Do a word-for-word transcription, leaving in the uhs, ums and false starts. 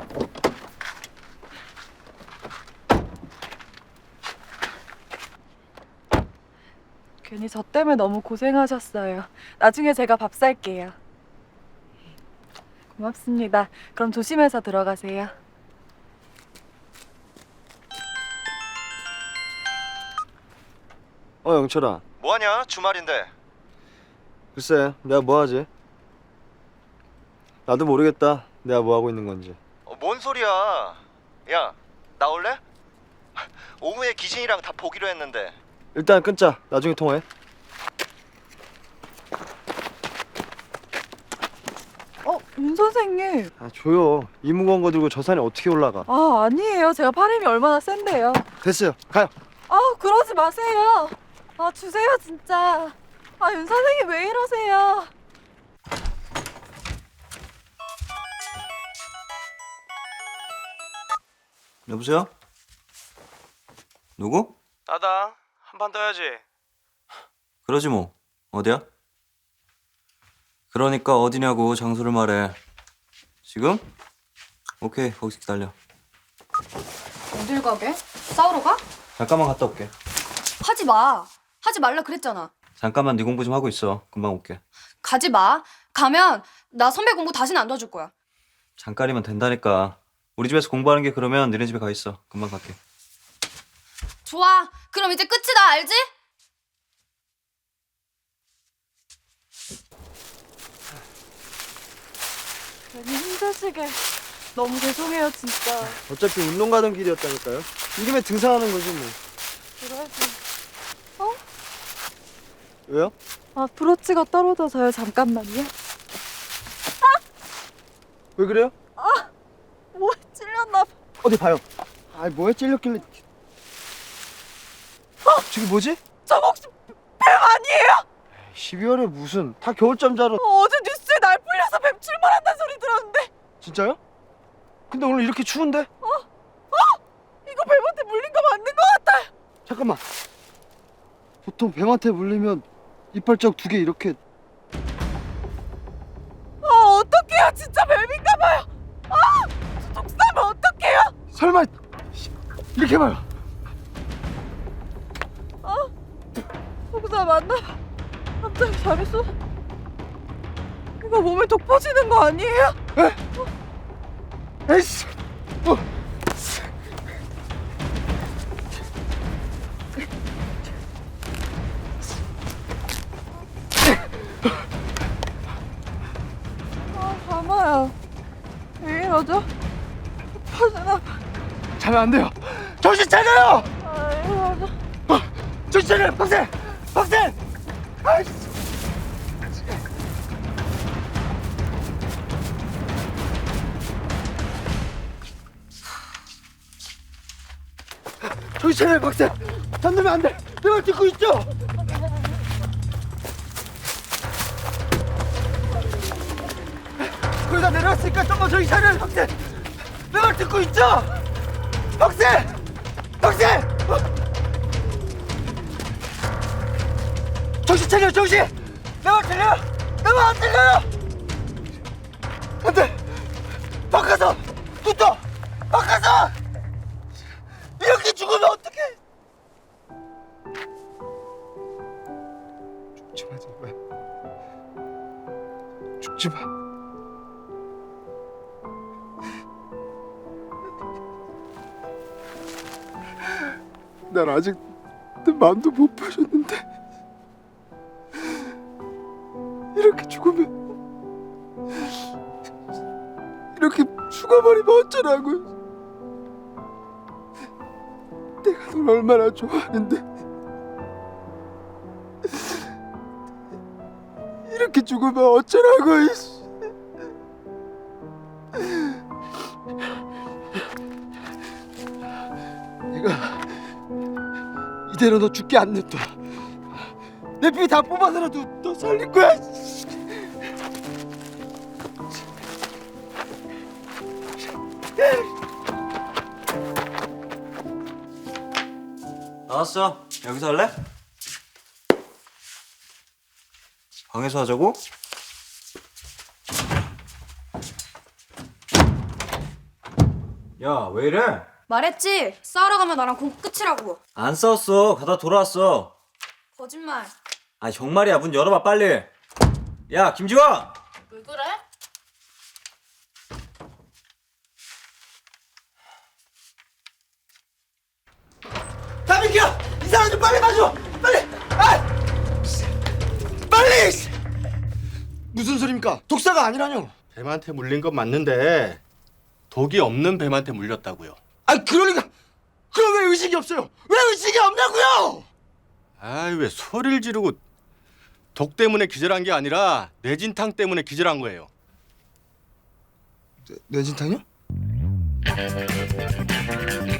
괜히 저 때문에 너무 고생하셨어요. 나중에 제가 밥 살게요. 고맙습니다. 그럼 조심해서 들어가세요. 어, 영철아. 뭐하냐? 주말인데. 글쎄, 내가 뭐 하지? 나도 모르겠다. 내가 뭐 하고 있는 건지. 어, 뭔 소리야? 야, 나올래? 오후에 기진이랑 다 보기로 했는데. 일단 끊자. 나중에 통화해. 어, 윤 선생님. 아, 줘요. 이 무거운 거 들고 저 산에 어떻게 올라가? 아, 아니에요. 제가 팔힘이 얼마나 센데요. 됐어요. 가요. 아, 그러지 마세요. 아, 주세요, 진짜. 아, 윤 선생님 왜 이러세요? 여보세요? 누구? 나다. 한 판 떠야지. 그러지 뭐. 어디야? 그러니까 어디냐고 장소를 말해. 지금? 오케이, 거기서 기다려. 어딜 가게? 싸우러 가? 잠깐만 갔다 올게. 하지 마. 하지 말라 그랬잖아. 잠깐만 네 공부 좀 하고 있어. 금방 올게. 가지 마. 가면 나 선배 공부 다시는 안 도와줄 거야. 잠깐이면 된다니까. 우리 집에서 공부하는 게 그러면 너네 집에 가 있어. 금방 갈게. 좋아. 그럼 이제 끝이다. 알지? 괜히 힘드시게 너무 죄송해요, 진짜. 어차피 운동 가던 길이었다니까요. 이 김에 등산하는 거지 뭐. 그래도 왜요? 아, 브로치가 떨어져서요. 잠깐만요. 왜 그래요? 뭐에 찔렸나 봐. 어디 봐요. 아이, 뭐에 찔렸길래. 어? 저기 뭐지? 저거 혹시 뱀 아니에요? 십이월에 무슨. 다 겨울잠 자러. 어, 어제 뉴스에 날 풀려서 뱀 출몰한다는 소리 들었는데. 진짜요? 근데 오늘 이렇게 추운데? 이거 뱀한테 물린 거 맞는 거 같아요. 잠깐만. 보통 뱀한테 물리면 이빨자국 두 개 이렇게. 아, 어떡해요. 진짜 뱀인가 봐요. 아, 저 독사면 어떡해요? 설마 이렇게 봐요. 독사 맞나 봐. 갑자기 잘했어. 이거 몸에 독 퍼지는 거 아니에요? 에이씨. 어. 아, 잠아요. 왜 이러죠? 퍼지나 봐. 자면 안 돼요. 정신 차려요. 아, 이러죠. 어, 정신 차려요. 박세. 박세. 아이씨. 정신 차려요. 박세. 잠들면 안 돼. 내 말 듣고 있죠? 거의 다 내려왔으니까 좀만 정신 차려요. 박세. 내 말 듣고 있죠? 박세. 박세. 어? 정신 차려, 정신! 내 말 들려요? 내 말 안 들려요? 안 돼! 바꿔서! 붙어! 바꿔서! 이렇게 죽으면 어떡해! 죽지 마, 제발. 죽지 마. 난 아직 내 마음도 못 파셨는데 이렇게 죽으면, 이렇게 죽어버리면 어쩌라고. 내가 널 얼마나 좋아하는데 이렇게 죽으면 어쩌라고. 이씨. 내가 이대로 너 죽게 안 냅둬. 내 피 다 뽑아서라도 너 살릴 거야. 나왔어. 여기서 할래? 방에서 하자고? 야, 왜 이래? 말했지? 싸우러 가면 나랑 공 끝이라고. 안 싸웠어. 가다 돌아왔어. 거짓말. 아, 정말이야. 문 열어봐, 빨리. 야, 김지원! 왜 그래? 다비켜! 이 사람 좀 빨리 봐줘! 빨리! 아! 빨리! 무슨 소리입니까? 독사가 아니라뇨. 뱀한테 물린 건 맞는데 독이 없는 뱀한테 물렸다고요. 아 그러니까 그럼 왜 의식이 없어요? 왜 의식이 없냐고요? 아이 왜 소리를 지르고 독 때문에 기절한 게 아니라 뇌진탕 때문에 기절한 거예요. 뇌, 뇌진탕이요?